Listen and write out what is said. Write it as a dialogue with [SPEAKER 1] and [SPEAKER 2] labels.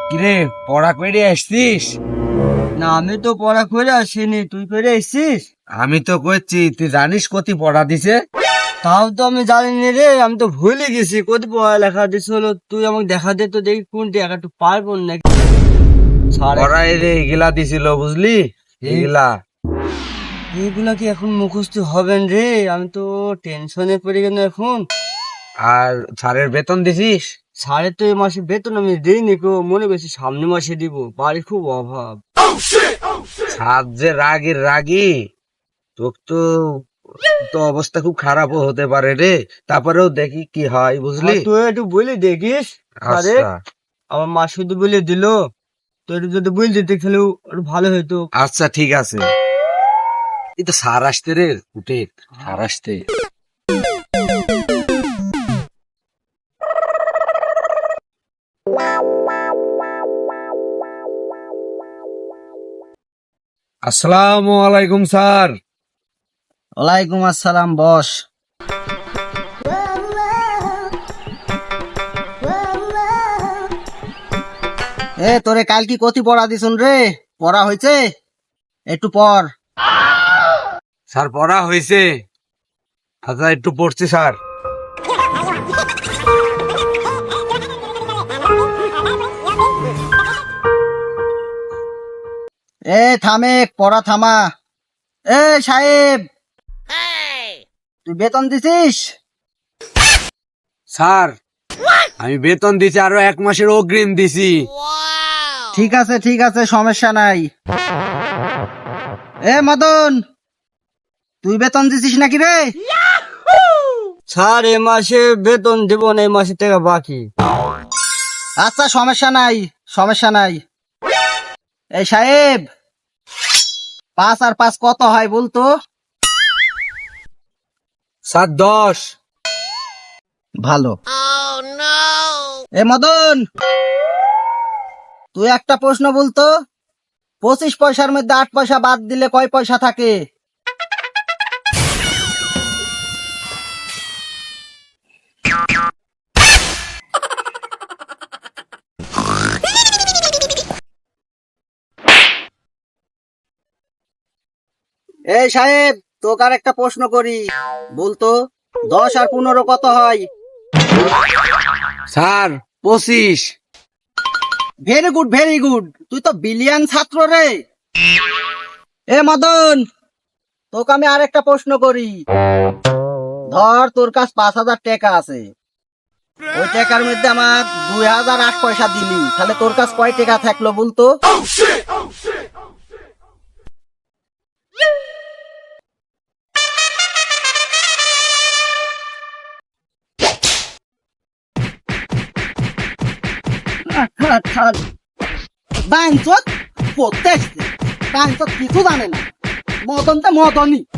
[SPEAKER 1] কিরে, পড়া করে আসছিস?
[SPEAKER 2] না, আমি তো পড়া করে আসিনি, তুই করে এসছিস?
[SPEAKER 1] আমি তো করছি, তুই জানিস কতি পড়া দিছে?
[SPEAKER 2] তাও তো আমি জানি রে, আমি তো ভুলে গেছি কত পড়ালেখা দিছিল। তুই আমাকে দেখা দে তো, দেখি কোনটি একটু পারবো নাকি।
[SPEAKER 1] পড়া এগুলা দিছিল, বুঝলি? এগুলা
[SPEAKER 2] এইগুলা কি এখন মুখস্থ হবেন রে? আমি তো টেনশনে পড়ে গেল এখন।
[SPEAKER 1] আর স্যারের বেতন দিছিস?
[SPEAKER 2] সাড়ে তো এই মাসে বেতন আমি দিইনি গো, মনে করছি সামনে মাসে দিব, বাড়ি খুব অভাব।
[SPEAKER 1] স্যার যে রাগের রাগি, তোর তো তো অবস্থা খুব খারাপও হতে পারে রে। তারপরেও দেখি কি হয়, বুঝলি?
[SPEAKER 2] তুই একটু বলে দেখিস সারে।
[SPEAKER 1] আচ্ছা
[SPEAKER 2] আমার মা শুধু বলে দিল, তো একটু যদি বলে দিতে খেলেও একটু ভালো হতো।
[SPEAKER 1] আচ্ছা, ঠিক আছে। এই তো স্যার আসতে রে, উঠে স্যার আসতে। আসসালামু আলাইকুম স্যার।
[SPEAKER 2] ওয়ালাইকুম আসসালাম, বস। তোরে কাল কি কতি পড়া দিছুন রে? পড়া হয়েছে? একটু পর।
[SPEAKER 1] স্যার পড়া হয়েছে। আচ্ছা, একটু পড়ছি স্যার।
[SPEAKER 2] থামে, পড়া থামা। সাহেব, তুই বেতন দিছিস?
[SPEAKER 1] স্যার, আমি বেতন দিছি, আরো 1 মাসের অগ্রিম দিছি।
[SPEAKER 2] ঠিক আছে ঠিক আছে, সমস্যা নাই। মদন, তুই বেতন দিছিস নাকি রে? স্যার, এ মাসে বেতন দেব না, এই মাসে টাকা বাকি। আচ্ছা, সমস্যা নাই, সমস্যা নাই। সাহেব, 5 আর 5 কত হয় বলতো?
[SPEAKER 1] স্যার 10।
[SPEAKER 2] ভালো। মদন, তুই একটা প্রশ্ন বলতো, 25 পয়সার মধ্যে 8 পয়সা বাদ দিলে কয় পয়সা থাকে? সাহেব, তোকে আর একটা প্রশ্ন করি, বলতো 10 আর 15 কত হয়?
[SPEAKER 1] Sir 25।
[SPEAKER 2] Very good, very good, তুই তো বিলিয়ন ছাত্র রে। মদন, তোকে আমি আর একটা প্রশ্ন করি। ধর তোর কাছে 5,000 টাকা আছে, ওই টাকার মধ্যে আমার 2,008 পয়সা দিলি, তাহলে তোর কাছে কয় টাকা থাকলো বলতো? বাঞ্চত পড়তে আসছে, বাঞ্চত কিছু জানে না, মদনটা মদনই।